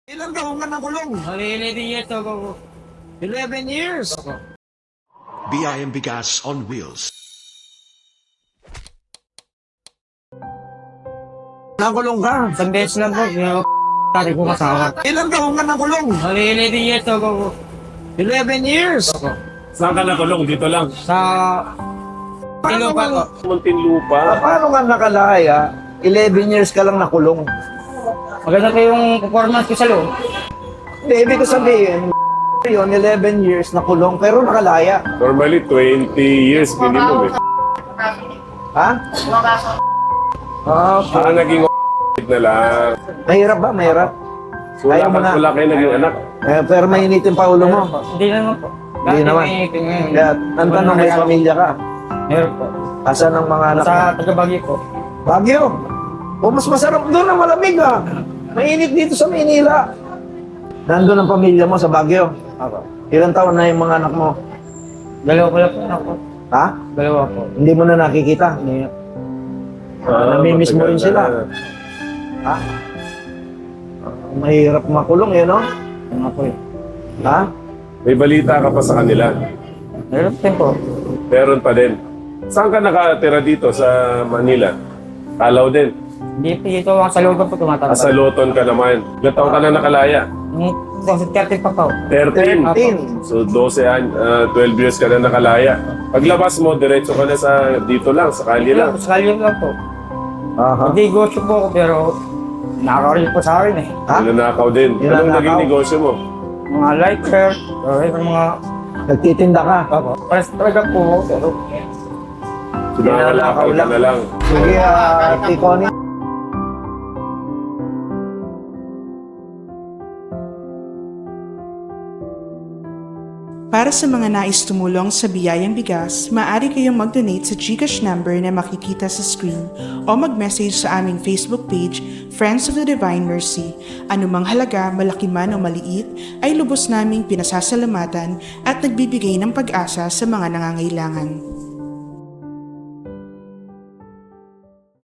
Ilang taon ka nakulong? 11 years ago. 11 years. BIM Bigas on Wheels. Nakulong ka? Isang beses lang po, yung tatay ko kasama. Ilang taon ka nakulong? 11 years ago. 11 years. Saan ka nakulong? Dito lang. Sa Ilopa po. Muntinlupa. Paano ka nakalaya? 11 years ka lang nakulong. Maganda po yung performance ko sa loob. Hindi, ibig ko sabihin, yun, 11 years nakulong, pero nakalaya. Normally, 20 years minimum eh. Ha? Okay. Naging na lang. Mahirap ba? Mahirap. Ayaw mo na. Wala kayo naging anak. Pero mainitin pa ulo mo. Hindi naman po. Hindi naman. Kaya, ang tanong, may pamilya ka. Meron po. Asan ang mga anak mo? Sa taga-Baguio po. Baguio. O mas masarap doon ang malamig ah. Mainit dito sa Maynila. Nandun ang pamilya mo sa Baguio. Ilang taon na yung mga anak mo? Dalawa ko lang po ako. Ha? Dalawa po. Hindi mo na nakikita? Hindi. Namimiss mo rin matagal sila. na. Ha? Mahirap makulong yun, no? Ano po eh. Ha? May balita ka pa sa kanila. Meron din po. Meron pa din. Saan ka nakatira dito sa Manila? Kalaw din. Hindi po dito ako sa loob po tumatanda. Sa Loton ka naman. Ilang taon ka na nakalaya? 30 pa po. 13. 13. So 12 years ka na nakalaya. Paglabas mo, diretso ka na sa dito lang, sa kali lang. Sa kalye lang po. Aha. Nag-negosyo po ako pero nakaka-rin po sa akin eh. Ha? Nanakaw din. Anong Nanakaw? naging negosyo mo? Mga lighter, or yung mga... Nagtitinda ka? Opo. Pares talaga po, pero... Sinangalakal ka na lang. Sige, Tikoni. Para sa mga nais tumulong sa Biyayang Bigas, maaari kayong mag-donate sa GCash number na makikita sa screen o mag-message sa aming Facebook page, Friends of the Divine Mercy. Anumang halaga, malaki man o maliit, ay lubos naming pinasasalamatan at nagbibigay ng pag-asa sa mga nangangailangan.